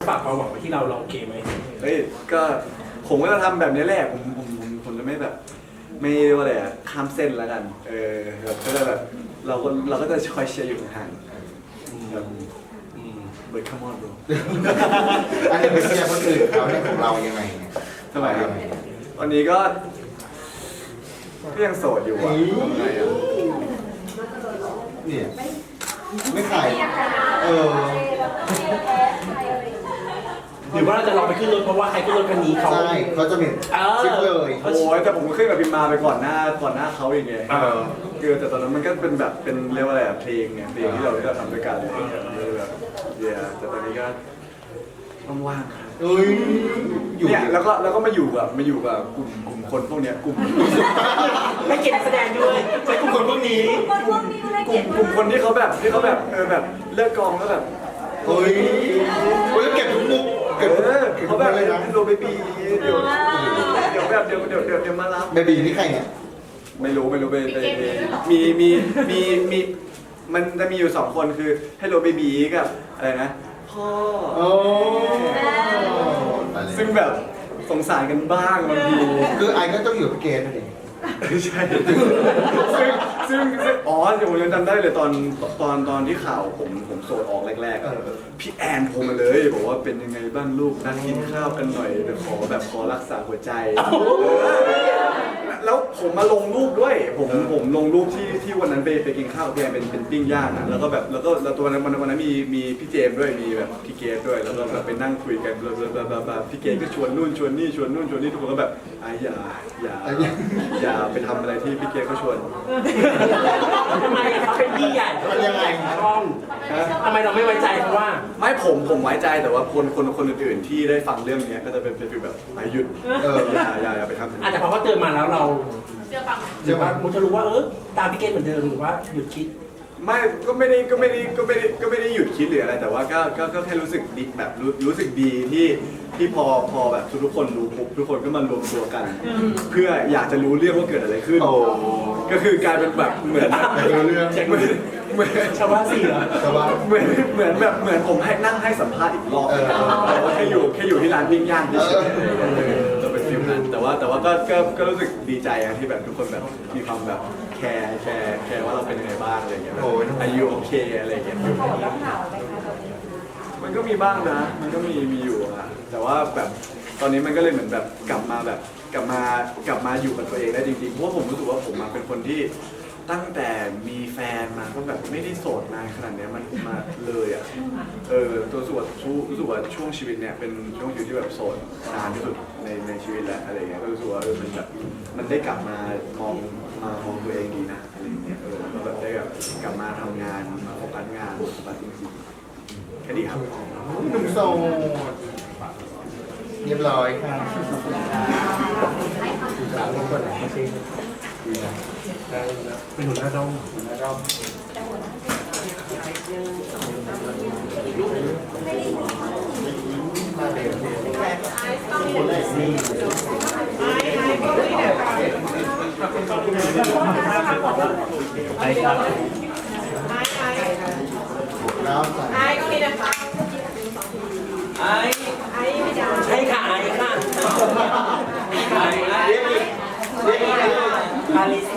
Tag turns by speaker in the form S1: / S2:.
S1: ฝากความหวังไว้ที่เราโอเคไหม
S2: เฮ้ยก็ผมก็จะทำแบบนี้แหละผมจะไม่แบบไม่ว่าอะไรอะข้ามเส้นแล้วกันแบบก็จะแบบเราก็จะคอยเชียร์อยู่ห่างแบบเบิร์ดคัมมอนบร
S3: อันนี้ไปเชียร์คนอื่นเขาเนี่ยของเรายังไงเนี่ย
S2: ทำไมครับวันนี้ก็ยังโสดอยู่อ่ะทำไงอ่ะ
S3: เนี่ยไม่ขาย
S1: หรือว่าเราจะลองไปขึ้นรถเพราะว่าใครขึ้นรถคันนี้เขา
S3: ใช่เขาจะเห็นคลิปเลย
S2: โอ้ยแต่ผมก็ขึ้นกับพิมมาไปก่อนหน้าเขาอีกไงคือแต่ตอนนั้นมันก็เป็นแบบเป็นเรียกว่าอะไรอะเพลงไงเพลงที่เราทำด้วยกันเลยแบบแต่ตอนนี้ก็ว่างๆครับ
S3: เอ้ยอยู่
S2: เนี่ยแล้วก็มาอยู่กับกลุ่มคนพวกเนี้ยกลุ่ม
S1: ไม่เก็บแสดงด้วยใช้กลุ่มคนพวกนี้
S2: กลุ่มคนที่เขาแบบแบบเลิกกองแล้วแบบ
S3: เฮ้ยเก็บทุกมุกเก็บ
S2: เขาแบบ
S3: เลยนะ
S2: โรเบบีเดี๋ยวแบบเดี๋ยวมารับ
S3: เบบีนี่ใครเนี่ย
S2: ไม่รู้ไปมีมันจะมีอยู่2 คนคือให้โรเบบีกับอะไรนะพ่อ
S3: โอ้
S2: ซึ่งแบบสงสารกันบ้างบางที
S3: คือไอ้ก็ต้องอยู่กับเกณฑ์นั่นเอง
S2: ใช่ซึ่งอ๋อเดี๋ยวผมยังจำได้เลยตอนที่ข่าวผมโสดออกแรกๆอะพี่แอนโทรมาเลยบอกว่าเป็นยังไงบ้างลูกนัดกินข้าวกันหน่อยแต่ขอรักษาหัวใจแล้วผมมาลงรูปด้วยผมลงรูปที่วันนั้นไปกินข้าวกับพี่แอนเป็นปิ้งย่างนะแล้วก็แบบแล้วตัววันนั้นมีพี่เจมส์ด้วยมีแบบพี่เกดด้วยแล้วก็แบบไปนั่งคุยกันแบบพี่เกดก็ชวนนู่นชวนนี่ทุกคนก็แบบอย่าไปทำอะไรที่พี่เกดเขาชวน
S1: ทำไมเขาเป็นพี่ใหญ่เขาเป็นยังไงช่องทำไมเราไม่ไว้ใจเขาว่า
S2: ไม่ผมไว้ใจแต่ว่าคนอื่นๆที่ได้ฟังเรื่องนี้ก็จะเป็นฟีลแบบหยุดอย่าไปทำ
S1: อาจจะเพราะว่าเตือนมาแล้วเรา
S4: เชื่อฟัง
S1: หรือว่ามุจะรู้ว่าตามพี่เกณฑ์เหมือนเดิมหรือว่าหยุดคิด
S2: ไม่ก็ไม่ได้หยุดคิดหรืออะไรแต่ว่าก็แค่รู้สึกดีแบบรู้สึกดีที่พอแบบทุกคนรู้ปุ๊บทุกคนก็มารวมตัวกัน เพื่ออยากจะรู้เรื่องว่าเกิดอะไรขึ้นก็คือกลายเป็นแบบเหมือน
S1: ชาวบ้านสี่เหรอ
S3: ชาวบ้าน
S2: เหมือนผมให้นั่งให้สัมภาษณ์อีกรอบแต่ว่าแค่อยู่ที่ร้านปิ้งย่างเฉยๆจะเป็นฟิลนั้นแต่ว่าก็รู้สึกดีใจที่แบบทุกคนแบบมีความแบบแคร์ว่าเราเป็นยังไงบ้างอะไรอย่างเงี้ยอายุโอเคอะไรอย่างเงี้ยมันก็มีบ้างนะมันก็มีอยู่อะแต่ว่าแบบตอนนี้มันก็เลยเหมือนแบบกลับมาอยู่กับตัวเองได้จริงๆเพราะว่าผมรู้สึกว่าผมเป็นคนที่ตั้งแต่มีแฟนมาก็แบบไม่ได้โสดนานขนาดนี้มันมาเลยอ่ะตัวรู้สึกว่าช่วงชีวิตเนี่ยเป็นช่วงชีวิตที่แบบโสดนานที่สุดในชีวิตแล้วอะไรเงี้ยก็รู้สึกว่ามันแบบมันได้กลับมามองตัวเองดีนะอะไรเงี้ยก็แบบได้แบบกลับมาทำงานมาโฟกัสงานโฟกัสจริงๆแค่ดีครับ
S3: หนุ่มโสดเรียบร้อยค่ะสาวคนไหนไม่ใช่
S1: เป็นหัวหน้าด้อม
S3: มาเร็ว
S1: ไปครับ
S3: น้ำใส่
S4: ไอ้ก็มีนะคะ
S1: ไอ้ใช่ค่ะไอ้ค่ะ
S3: เรียกอีก
S1: อาลิซ